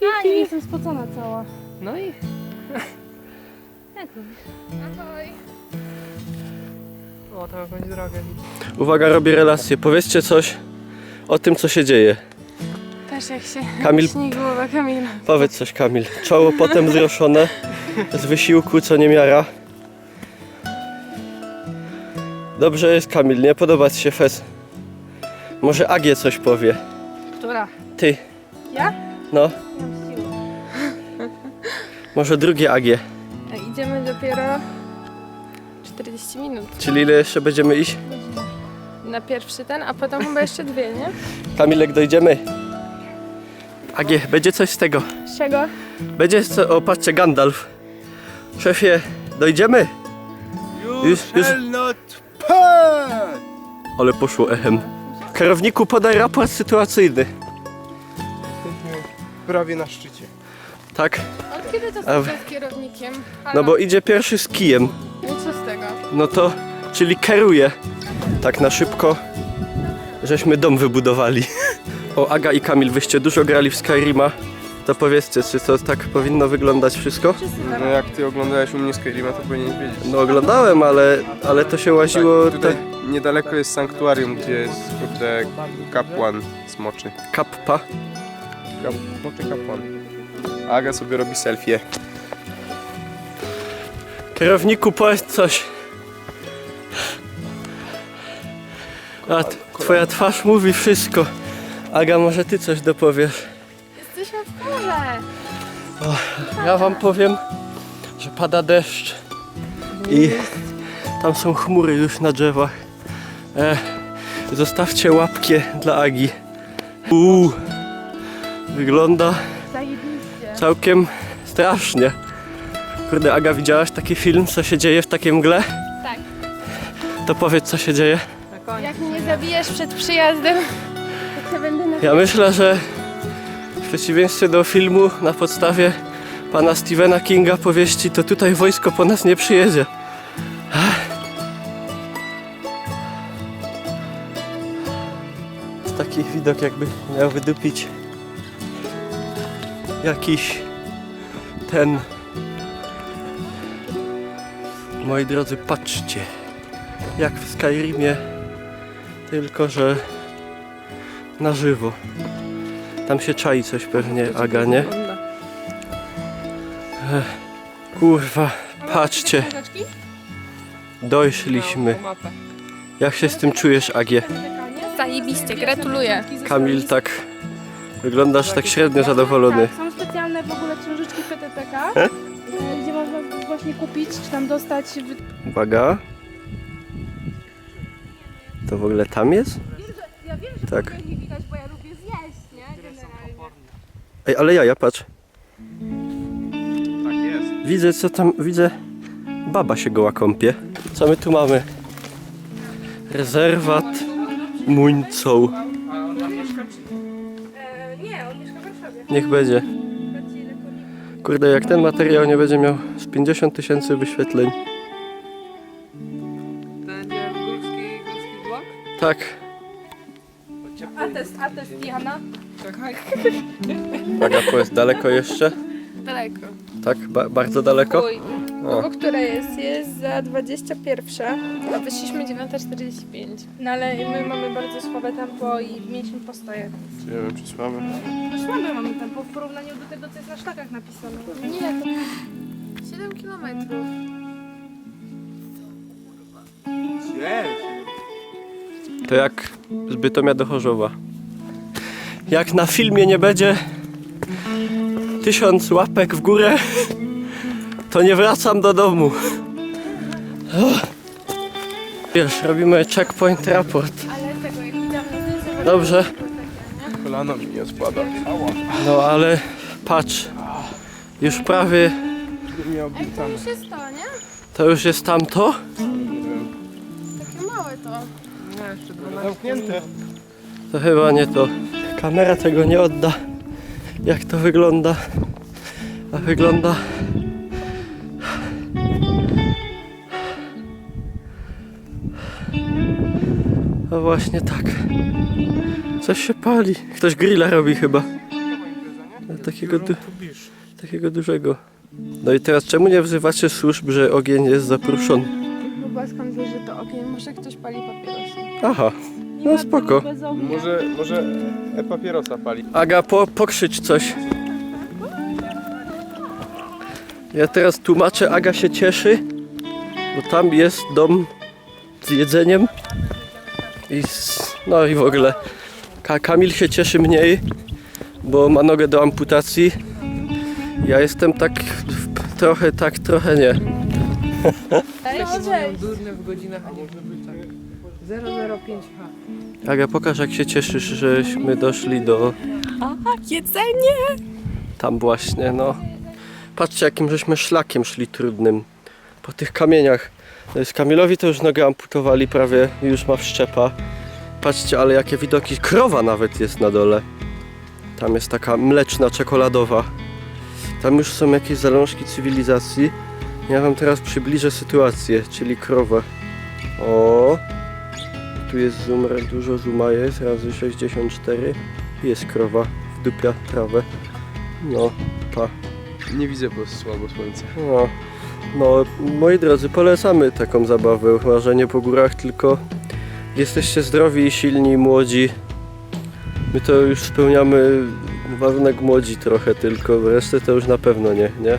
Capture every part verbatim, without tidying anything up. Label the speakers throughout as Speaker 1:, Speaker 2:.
Speaker 1: A, nie jestem spocona cała.
Speaker 2: No i...
Speaker 1: Jak lubisz?
Speaker 2: Ahoj. O, to jakąś drogę widzę.
Speaker 3: Uwaga, robię relację. Powiedzcie coś o tym, co się dzieje.
Speaker 1: Też jak się
Speaker 3: Kamil,
Speaker 1: śni głowa Kamila.
Speaker 3: powiedz coś, Kamil. Czoło potem wzruszone z wysiłku, co nie miara. Dobrze jest, Kamil, nie podoba ci się fez. Może Agie coś powie.
Speaker 1: Która?
Speaker 3: Ty.
Speaker 1: Ja?
Speaker 3: No,
Speaker 1: Nie mam siły.
Speaker 3: może drugie Agie.
Speaker 1: A idziemy dopiero czterdzieści minut
Speaker 3: Czyli ile jeszcze będziemy iść?
Speaker 1: na pierwszy ten, a potem chyba jeszcze dwie, nie?
Speaker 3: Kamilek, dojdziemy. Agie, będzie coś z tego.
Speaker 1: Z czego?
Speaker 3: Będzie co... O, patrzcie, Gandalf. Szefie, dojdziemy? Już, już. Ale poszło echem. Kierowniku, podaj raport sytuacyjny.
Speaker 2: Prawie na szczycie.
Speaker 3: Tak?
Speaker 1: Od kiedy to
Speaker 3: A w-
Speaker 1: jesteś kierownikiem?
Speaker 3: No bo idzie pierwszy z kijem.
Speaker 1: I co z tego?
Speaker 3: No to, czyli kieruje. Tak na szybko, żeśmy dom wybudowali. O, Aga i Kamil, wyście dużo grali w Skyrima. To powiedzcie, czy to tak powinno wyglądać wszystko?
Speaker 2: No jak ty oglądałeś u mnie Skyrima, to powinieneś wiedzieć.
Speaker 3: No oglądałem, ale, ale to się łaziło...
Speaker 2: Tak, tutaj
Speaker 3: te...
Speaker 2: niedaleko jest sanktuarium, gdzie jest kurde kapłan smoczy.
Speaker 3: Kappa.
Speaker 2: Kap, smoczy kapłan. Aga sobie robi selfie.
Speaker 3: Kierowniku, powiedz coś. A t- twoja twarz mówi wszystko. Aga, może ty coś dopowiesz?
Speaker 1: Jesteśmy w pole!
Speaker 3: Ja wam powiem, że pada deszcz i tam są chmury już na drzewach. E, zostawcie łapkę dla Agi. Uuu, wygląda
Speaker 1: Zajebiście.
Speaker 3: całkiem strasznie. Kurde, Aga, widziałaś taki film, co się dzieje w takiej mgle?
Speaker 1: Tak.
Speaker 3: To powiedz, co się dzieje.
Speaker 1: Jak mnie zabijesz przed przyjazdem, to cię będę na...
Speaker 3: Ja myślę, że w przeciwieństwie do filmu na podstawie pana Stephena Kinga powieści, to tutaj wojsko po nas nie przyjedzie. Jest taki widok, jakby miał wydupić jakiś ten... Moi drodzy, patrzcie, jak w Skyrimie, tylko że na żywo. Tam się czai coś pewnie, Aga, nie? Ech, kurwa, patrzcie, dojszliśmy. Jak się z tym czujesz, Agie?
Speaker 1: Zajebiście, gratuluję.
Speaker 3: Kamil, tak wyglądasz tak średnio zadowolony.
Speaker 4: Tak, są specjalne w ogóle książeczki P T T K, e, gdzie można właśnie kupić, czy tam dostać. wy-
Speaker 3: Uwaga. To w ogóle tam jest?
Speaker 4: Ja wiem, że
Speaker 3: Tak.
Speaker 4: nie widać, bo ja lubię zjeść, nie? Generalnie.
Speaker 3: Ej, ale ja, ja patrz.
Speaker 2: Tak jest.
Speaker 3: Widzę, co tam, widzę. Baba się goła kąpie. Co my tu mamy? Rezerwat Muńcoł.
Speaker 4: E, nie, on mieszka w Warszawie.
Speaker 3: Niech będzie. Kurde, jak ten materiał nie będzie miał z pięćdziesiąt tysięcy wyświetleń.
Speaker 2: Będzie górski, górski blok?
Speaker 3: Tak.
Speaker 4: Atest, atest Jana.
Speaker 2: Czekaj.
Speaker 3: Aga, powiedz, daleko jeszcze?
Speaker 1: Daleko.
Speaker 3: Tak? Ba bardzo daleko?
Speaker 1: Uj.
Speaker 3: O.
Speaker 1: Bo która jest? Jest za dwadzieścia pierwsza, a wyszliśmy dziewiąta czterdzieści pięć.
Speaker 4: No ale my mamy bardzo słabe tempo i mieliśmy postoje.
Speaker 2: Nie wiem, czy słabe.
Speaker 4: No słabe mamy tempo w porównaniu do tego, co jest na szlakach napisane.
Speaker 1: Nie, to siedem kilometrów.
Speaker 3: To jak z Bytomia do Chorzowa. Jak na filmie nie będzie tysiąc łapek w górę, to nie wracam do domu. Wiesz, robimy checkpoint raport.
Speaker 1: Ale tego jak widziałam na zdjęciu,
Speaker 3: Dobrze.
Speaker 2: Kolano mi nie spada.
Speaker 3: No ale patrz, już prawie
Speaker 2: Nie
Speaker 1: to
Speaker 2: obiecane.
Speaker 1: już jest to, nie?
Speaker 3: to już jest tamto.
Speaker 1: Takie małe to.
Speaker 2: Zamknięte.
Speaker 3: To chyba nie to. Kamera tego nie odda, jak to wygląda. A wygląda... No właśnie tak. Coś się pali. Ktoś grilla robi chyba. Takiego, du takiego dużego. No i teraz czemu nie wzywacie służb, że ogień jest zapruszony?
Speaker 1: Chyba skąd wiesz, że to ogień? Może ktoś pali papierosy.
Speaker 3: Aha, no spoko.
Speaker 4: Bez ognia.
Speaker 2: Może, może e-papierosa pali.
Speaker 3: Aga, po, pokrzycz coś. Ja teraz tłumaczę, Aga się cieszy, bo tam jest dom z jedzeniem. I z, no i w ogóle. Ka Kamil się cieszy mniej, bo ma nogę do amputacji. Ja jestem tak trochę tak, trochę nie.
Speaker 4: Cześć.
Speaker 5: Durne w godzinach, a może być tak. zero zero pięć H.
Speaker 3: Aga, pokaż jak się cieszysz, żeśmy doszli do...
Speaker 1: A, jedzenie!
Speaker 3: Tam właśnie, no. Patrzcie jakim żeśmy szlakiem szli trudnym. Po tych kamieniach. No z Kamilowi to już nogę amputowali prawie, już ma wszczepa. Patrzcie, ale jakie widoki. Krowa nawet jest na dole. Tam jest taka mleczna, czekoladowa. Tam już są jakieś zalążki cywilizacji. Ja wam teraz przybliżę sytuację, czyli krowę. O, tu jest zoom, dużo zooma jest, razy sześćdziesiąt cztery. Jest krowa, wdupia trawę. No, pa.
Speaker 2: Nie widzę, bo słabo słońce.
Speaker 3: No, no, moi drodzy, polecamy taką zabawę. Łażenie po górach, tylko jesteście zdrowi, silni, młodzi. My to już spełniamy warunek młodzi trochę tylko, resztę to już na pewno nie, nie?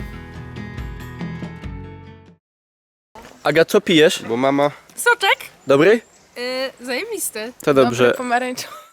Speaker 3: Aga, co pijesz?
Speaker 2: Bo mama...
Speaker 1: Soczek?
Speaker 3: Dobry?
Speaker 1: Yy, zajebisty.
Speaker 3: To dobrze.
Speaker 1: Dobry, pomarańczowy.